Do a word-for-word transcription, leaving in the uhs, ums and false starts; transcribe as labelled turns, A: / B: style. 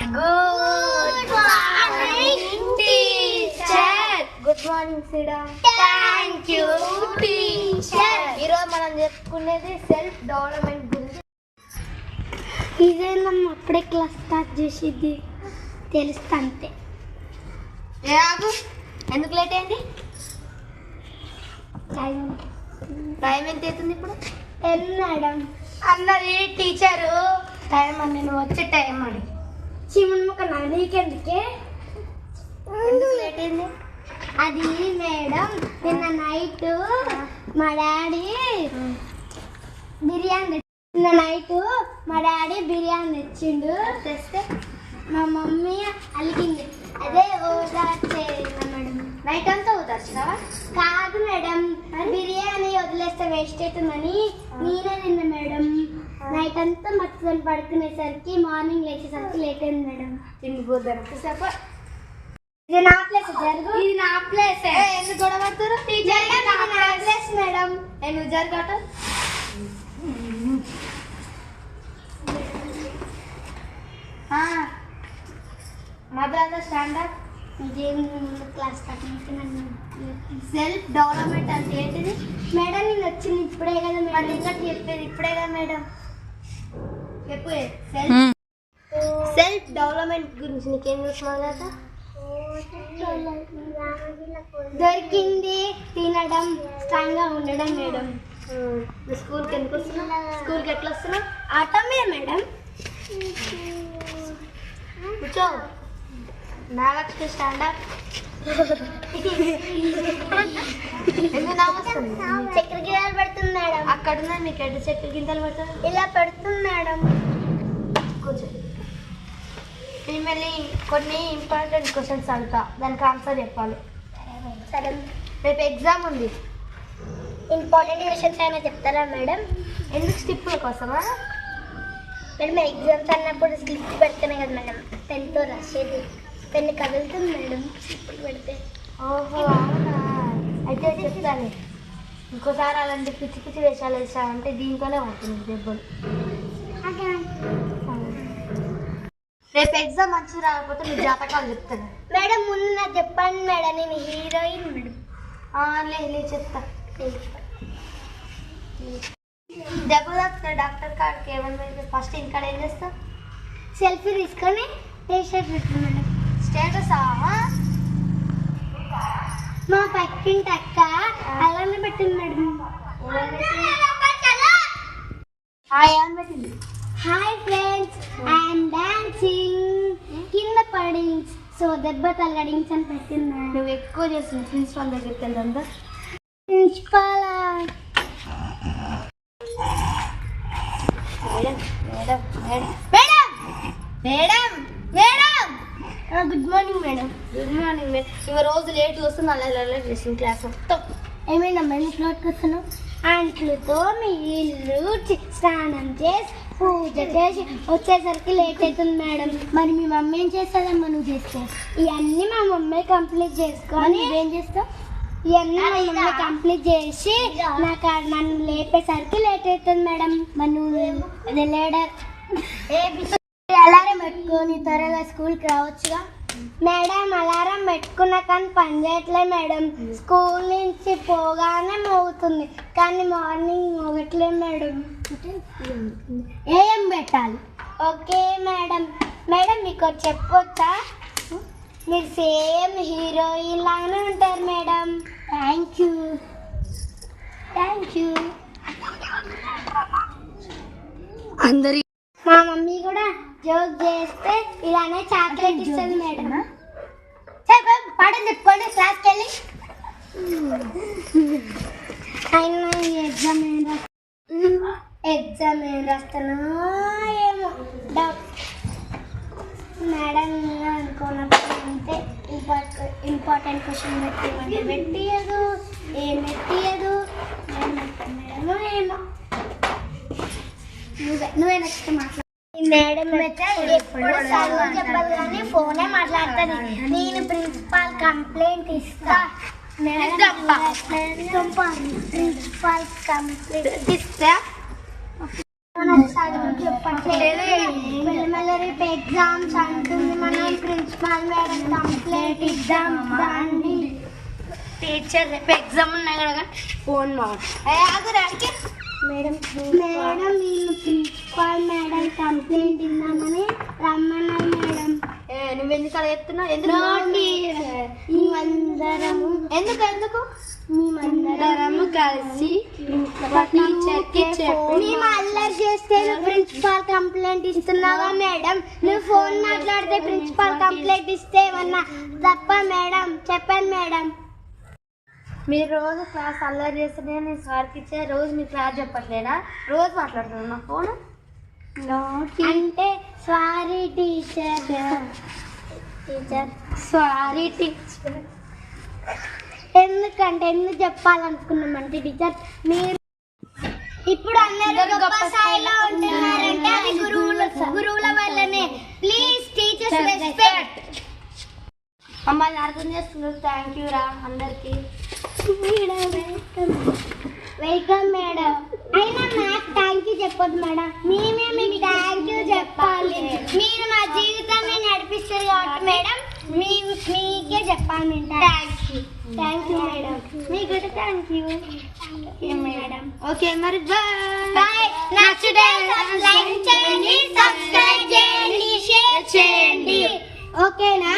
A: Good morning, teacher.
B: Good morning, Sida.
A: Thank you, teacher.
B: ఈరోజు మనం చెప్పుకునేది సెల్ఫ్ డెవలప్మెంట్ గురించి.
C: ఇదేనా అప్పుడే క్లాస్ స్టార్ట్ చేసేది తెలుస్తా అంతే.
B: ఆగు, ఎందుకు లేట్ అయింది?
C: టైం
B: టైం ఎంత అవుతుంది ఇప్పుడు?
C: టెన్ మేడం
A: అన్నది టీచరు.
C: టైం అని నేను వచ్చే టైం అని చిమన్ ముక్క నీకెందుకే
B: ఎందుకు లేట్ అయింది?
C: అది మేడం నిన్న నైట్ మా డాడీ బిర్యానీ నిన్న నైట్ మా డాడీ బిర్యానీ తెచ్చిండు.
B: తెస్తే
C: మా మమ్మీ అలిగింది. అదే ఓదార్చేదా మేడం.
B: నైట్ అంతా అవుతారు
C: కాదు మేడం, బిర్యానీ వదిలేస్తే వేస్ట్ అవుతుందని నేనే తిన్నా మేడం. నైట్ అంతా మర్చిపోయి పడుకునేసరికి మార్నింగ్ లేచేసరికి లేట్ అయింది మేడం.
B: తిండిపోతారు సేపు.
C: ఇది నా ప్లేస్ జరుగు.
A: ఇది నా ప్లేస్.
B: ఎందుకు గొడవ పడుతున్నారు?
A: టీచర్
C: నా ప్లేస్ మేడం.
B: నువ్వు జరగట మదర్ స్టాండర్డ్
C: ఇదేం క్లాస్
B: సెల్ఫ్ డెవలప్మెంట్ అంటే ఏంటిది
C: మేడం? నేను వచ్చింది ఇప్పుడే కదా
B: మరి
C: మేడం.
B: ఇంకా చెప్పేది ఇప్పుడే కదా మేడం. చెప్పు సెల్ఫ్ సెల్ఫ్ డెవలప్మెంట్ గురించి నీకేం చూస్తున్నావు కదా?
C: దొరికింది తినడం, స్ట్రాంగ్ గా ఉండడం మేడం.
B: నువ్వు స్కూల్కి ఎందుకు వస్తున్నావు? స్కూల్కి ఎట్లా వస్తున్నావు?
C: ఆట మీద మేడం.
B: కూర్చో. నాగలక్ష్మి స్టాండర్డ్. ఎందుకు నా వస్తుంది?
C: చక్కెర గిన్నెలు పెడుతుంది మేడం.
B: అక్కడ ఉన్నాయి మీకు ఎడ్డు చెట్టు గింతలు పడుతుంది.
C: ఇలా పెడుతుంది మేడం.
B: కూర్చో. మిమ్మల్ని కొన్ని ఇంపార్టెంట్ క్వశ్చన్స్ అడుగుతా, దానికి ఆన్సర్ చెప్పాలి.
C: సరే,
B: రేపు ఎగ్జామ్ ఉంది.
C: ఇంపార్టెంట్ క్వశ్చన్స్ అయినా చెప్తారా మేడం?
B: ఎందుకు స్టిప్పుల కోసమా?
C: మేడం ఎగ్జామ్స్ అన్నప్పుడు స్లిప్ పెడితేనే కదా మేడం పెన్తో రాసేది. పెన్ కదులుతుంది మేడం స్లిప్పులు పెడితే.
B: ఓహో అవునా, అయితే చెప్తాను. ఇంకోసారి అలాంటి పిచ్చి పిచ్చి వేషాలు వేసామంటే దీంతోనే ఉంటుంది దెబ్బలు. రేపు ఎగ్జామ్ మంచిగా రాకపోతే మీ జాతకాలు చెప్తాను
C: మేడం. ముందు నాకు చెప్పండి మేడం, నేను హీరోయిన్ మేడం.
B: లే చెప్తా. దెబ్బ తాకుతాడు డాక్టర్ కాడికి ఏమన్నా ఫస్ట్ ఇంకాడ ఏం చేస్తా?
C: సెల్ఫీ తీసుకొని టీషర్ట్ పెట్టింది మేడం.
B: స్టేటస్
C: మా పక్కింటి అక్క అలానే పెట్టింది మేడం.
B: ఏమని పెట్టింది?
C: హాయ్ ఫ్రెండ్స్, ఐఎమ్ డాన్సింగ్ కింద పడి సో దెబ్బ తలగడించి అని పెట్టింది మేడం.
B: నువ్వు ఎక్కువ చేస్తుంది ప్రిన్సిపాల్ దగ్గరికి వెళ్దా?
C: Principal
B: madam madam madam madam madam
C: good morning madam.
B: Good morning madam. ఇవ రోజు లేట్ వస్తుంది, అలా అలా డ్రెస్సింగ్ క్లాస్ మొత్తం.
C: ఏమైనా మేడం ఫ్లోట్కి వస్తున్నావు? అంట్లతో మీ ఇల్లు చి- స్నానం చేసి పూజ చేసి వచ్చేసరికి లేట్ అవుతుంది మేడం. మరి మీ మమ్మీ ఏం చేస్తుందమ్మా నువ్వు చేస్తే? ఇవన్నీ మా మమ్మీ కంప్లీట్ చేసుకొని నువ్వేం చేస్తావు? ఇవన్నీ మా మమ్మీ కంప్లీట్ చేసి నాకు ఆ- నన్ను లేపేసరికి లేట్ అవుతుంది మేడం. మరి నువ్వు లేడర్ అలారం పెట్టుకొని త్వరగా స్కూల్కి రావచ్చుగా మేడం. అలారం పెట్టుకున్నా కానీ పని చేయట్లే మేడం. స్కూల్ నుంచి పోగానే మోగుతుంది కానీ మార్నింగ్ మోగట్లే మేడం. ఏం పెట్టాలి? Okay madam. మేడం మీకు ఒకటి చెప్పొచ్చా? మీరు సేమ్ హీరోయిన్ లాగానే ఉంటారు madam. Thank you thank you
B: అందరి
C: మా మమ్మీ కూడా జోక్ చేస్తే ఇలానే చాక్లెట్ ఇస్తుంది మేడం. పాటలు చెప్పుకోండి క్లాస్కి వెళ్ళి. అయినా ఎగ్జామ్ ఏం రాస్తా ఎగ్జామ్ ఏం రాస్తానో ఏమో డౌట్ మేడం. అనుకున్నప్పుడు అంతే ఇంపార్టెంట్ ఇంపార్టెంట్ క్వశ్చన్ పెట్టిమంటే పెట్టియదు, ఏం పెట్టియదు. మేడమో ఏమో నువ్వే నువ్వే నెక్స్ట్ మాట్లాడు. మేడం ఎప్పుడు చదువు చెప్పాలి కానీ ఫోనే మాట్లాడుతుంది. నేను ప్రిన్సిపాల్ కంప్లైంట్ ఇస్తా. ప్రిన్సిపాల్ కంప్లైంట్
B: ఇస్తా
C: చదువు చెప్పట్లేదు. మెల్లమెల్ల రేపు ఎగ్జామ్స్ అంటుంది, మనం ప్రిన్సిపాల్ మేడం కంప్లైంట్ ఇద్దాం రండి.
B: టీచర్ రేపు ఎగ్జామ్ ఉన్నాయి కదా ఫోన్ మాట్లాడి
C: మేడం మేడం వీళ్ళు ప్రిన్సిపాల్ మేడం కంప్లైంట్ ఇద్దామని రమ్మన్నారు మేడం.
B: నువ్వెందుకు అలా చెప్తున్నావు? ఎందుకు
C: మేమందరము
B: ఎందుకు ఎందుకు
C: మేమందరము
B: కలిసి
C: టీచర్ కి మేము అల్లరి చేస్తే నువ్వు ప్రిన్సిపాల్ కంప్లైంట్ ఇస్తున్నావా మేడం? నువ్వు ఫోన్ మాట్లాడితే ప్రిన్సిపాల్ కంప్లైంట్ ఇస్తే ఏమన్నా తప్ప మేడం? చెప్పండి మేడం.
B: మీరు రోజు క్లాస్ అల్లరి చేస్తేనే నేను సార్కి ఇచ్చే రోజు మీ క్లాస్ చెప్పట్లేనా? రోజు మాట్లాడుతున్నా ఫోన్
C: అంటే sorry teacher teacher
B: sorry teacher.
C: ఎందుకంటే ఎందుకు చెప్పాలనుకున్నామంటే టీచర్ మీరు ఇప్పుడు అందరూ గొప్ప స్థాయిలో ఉంటున్నారంటే అది గురువుల గురువుల వల్లనే. Please teachers respect.
B: మమ్మల్ని అర్థం చేస్తున్నారు. థ్యాంక్ యూ రా అందరికి.
C: Welcome madam. అయినా నాకు థ్యాంక్ యూ చెప్పొద్దు మేడం, మేమే మీకు థ్యాంక్ యూ చెప్పాలి. మీరు మా జీవితాన్ని నడిపిస్తారు కాబట్టి మేడం మీ మీకే చెప్పాలి మేము thank you. Thank you madam.
B: మీకు కూడా థ్యాంక్ యూ
C: మేడం.
B: ఓకే మరి బాయ్.
C: బాయ్. నచ్చితే లైక్ చేయండి, సబ్స్క్రైబ్ చేయండి, షేర్ చేయండి. ఓకేనా?